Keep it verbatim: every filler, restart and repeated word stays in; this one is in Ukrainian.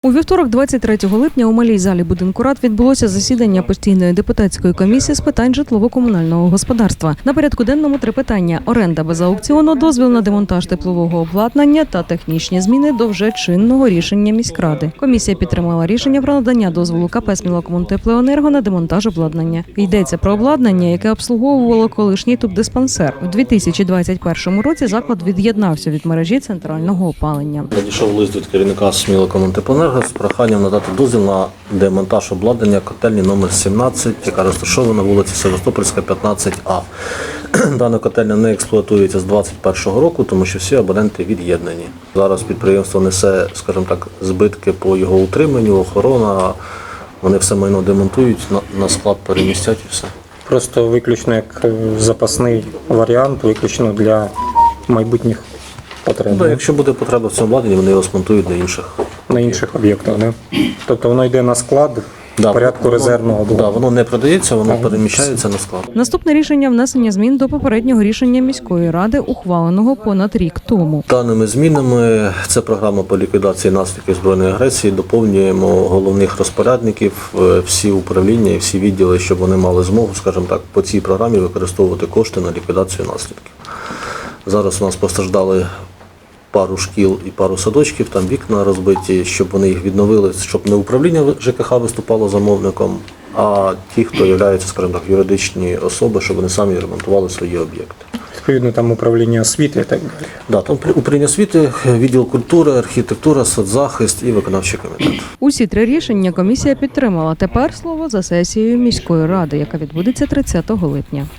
У вівторок, двадцять третього липня, у малій залі будинку рад відбулося засідання постійної депутатської комісії з питань житлово-комунального господарства. На порядку денному три питання: оренда без аукціону, дозвіл на демонтаж теплового обладнання та технічні зміни до вже чинного рішення міськради. Комісія підтримала рішення про надання дозволу КП «Смілакомунтеплоенерго» на демонтаж обладнання. Йдеться про обладнання, яке обслуговувало колишній тубдиспансер. У дві тисячі двадцять першому році заклад від'єднався від мережі центрального опалення. Надійшов лист від керівника «Смілакомунтеплоенерго» з проханням надати дозвіл на демонтаж обладнання котельні номер сімнадцять, яка розташована на вулиці Севастопольська, п'ятнадцять А. Дана котельня не експлуатується з двадцять першого року, тому що всі абоненти від'єднані. Зараз підприємство несе, скажімо так, збитки по його утриманню, охорона. Вони все майно демонтують, на склад перемістять і все. Просто виключно як запасний варіант, виключно для майбутніх потреб. Да, якщо буде потреба в цьому обладнанні, вони його смонтують на інших. На інших об'єктах, не? Тобто воно йде на склад в Да, порядку воно, резервного блоку. Да, воно не продається, воно переміщається на склад. Наступне рішення – внесення змін до попереднього рішення міської ради, ухваленого понад рік тому. Даними змінами, це програма по ліквідації наслідків збройної агресії, доповнюємо головних розпорядників, всі управління і всі відділи, щоб вони мали змогу, скажімо так, по цій програмі використовувати кошти на ліквідацію наслідків. Зараз у нас постраждали пару шкіл і пару садочків, там вікна розбиті, щоб вони їх відновили, щоб не управління ЖКХ виступало замовником, а ті, хто є, скажімо так, юридичні особи, щоб вони самі ремонтували свої об'єкти. Відповідно, там управління освіти і так далі. Да, там управління освіти, відділ культури, архітектура, соцзахист і виконавчий комітет. Усі три рішення комісія підтримала. Тепер слово за сесією міської ради, яка відбудеться тридцятого липня.